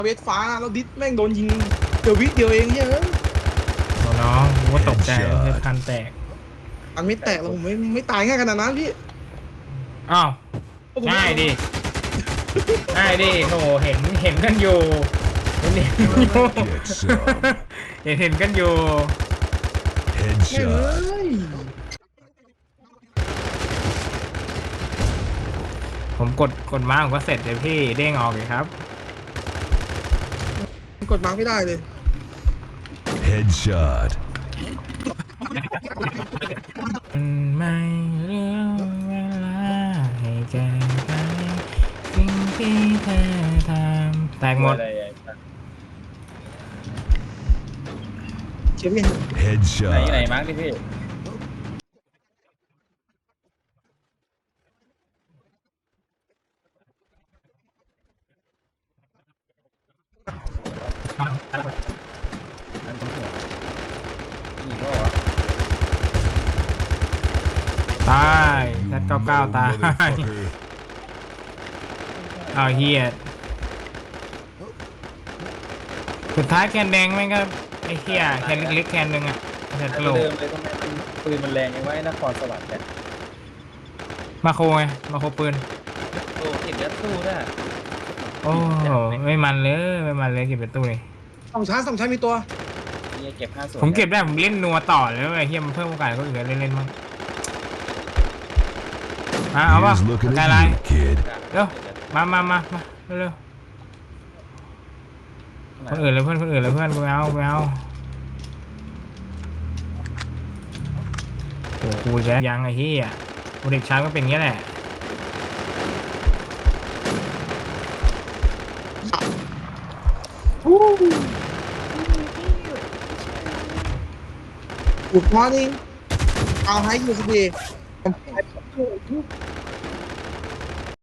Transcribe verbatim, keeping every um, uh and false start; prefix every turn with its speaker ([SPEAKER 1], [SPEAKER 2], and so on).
[SPEAKER 1] เวทฟ้าแล้วดิสแม่งโดนยิงเดี๋ยววิเดียวเองเฮ้ย
[SPEAKER 2] โอ้น้องกูว่าตกใจเลยคันแตก
[SPEAKER 1] อันไม่แตกแล้วผมไม่ไม่ตายง่ายขนาดนั้นพี่
[SPEAKER 2] อ้าว
[SPEAKER 1] ผมไม่
[SPEAKER 2] ง่ายดิง่ายดิโหเห็นเห็นกันอยู่เห็นเห็นอยู่
[SPEAKER 3] Get some.
[SPEAKER 2] เห็นเห็นกันอยู่
[SPEAKER 1] แม่งเ
[SPEAKER 3] Headshot.
[SPEAKER 1] อ้ย
[SPEAKER 2] ผมกดกดมาผมก็เสร็จเลยพี่เด้งออกเลยครับ
[SPEAKER 1] กดมาร์กไม่ได้เลย
[SPEAKER 3] Headshot.
[SPEAKER 2] ไม่เรื่องเวลาให้แก้ไขสิ่งที่เธอทำแตกหมด
[SPEAKER 4] อะไรอ่ะ
[SPEAKER 1] เชียร์พี่
[SPEAKER 4] ไหนไหน
[SPEAKER 3] Headshot.
[SPEAKER 4] มาร์กดิพี่ อันตรงหัวนี่ก็วะ
[SPEAKER 2] ตายแซดเก้าเก้าตาย
[SPEAKER 3] Motherfucker.
[SPEAKER 2] เอาเฮียสุดท้ายแคนแดงแม่งก็ไอ้เฮียแคนเล็กๆแคนหนึ่งอะแซด
[SPEAKER 4] อัน
[SPEAKER 2] โล
[SPEAKER 4] เดิมเลยทำไมมันปืนมันแรงยังไงนครสวรรค์เนี่ย
[SPEAKER 2] มาโคไงมาโคปืน
[SPEAKER 4] โอ้เห็นแล้วสู้ได้
[SPEAKER 2] โอ้โหไม่มันเลยไม่มันเลยเก็บเป็นตู้เลย
[SPEAKER 1] สองชั้นสองชั้นมีตัว
[SPEAKER 4] เนี่ยเก็บห้าส่วน
[SPEAKER 2] ผมเก็บได้ผมเล่นนัวต่อเลยไอ้เฮียมันเพิ่มโอกาสให้คนอื่นเล่นเล่นมั้งมาเอาป่ะ
[SPEAKER 3] Here's looking
[SPEAKER 2] กายไลน์
[SPEAKER 3] at you, kid.
[SPEAKER 2] เร็วมามามามาเร็วคนอื่นเลยเพื่อนคนอื่นเลยเพื่อนกูไม่เอากูไม่เอาโอ้โหกูแกยังไอ้เฮียกูเด็กช้างก็เป็นอย่างนี้แหละ
[SPEAKER 1] Good morning เอาให้ยูสบี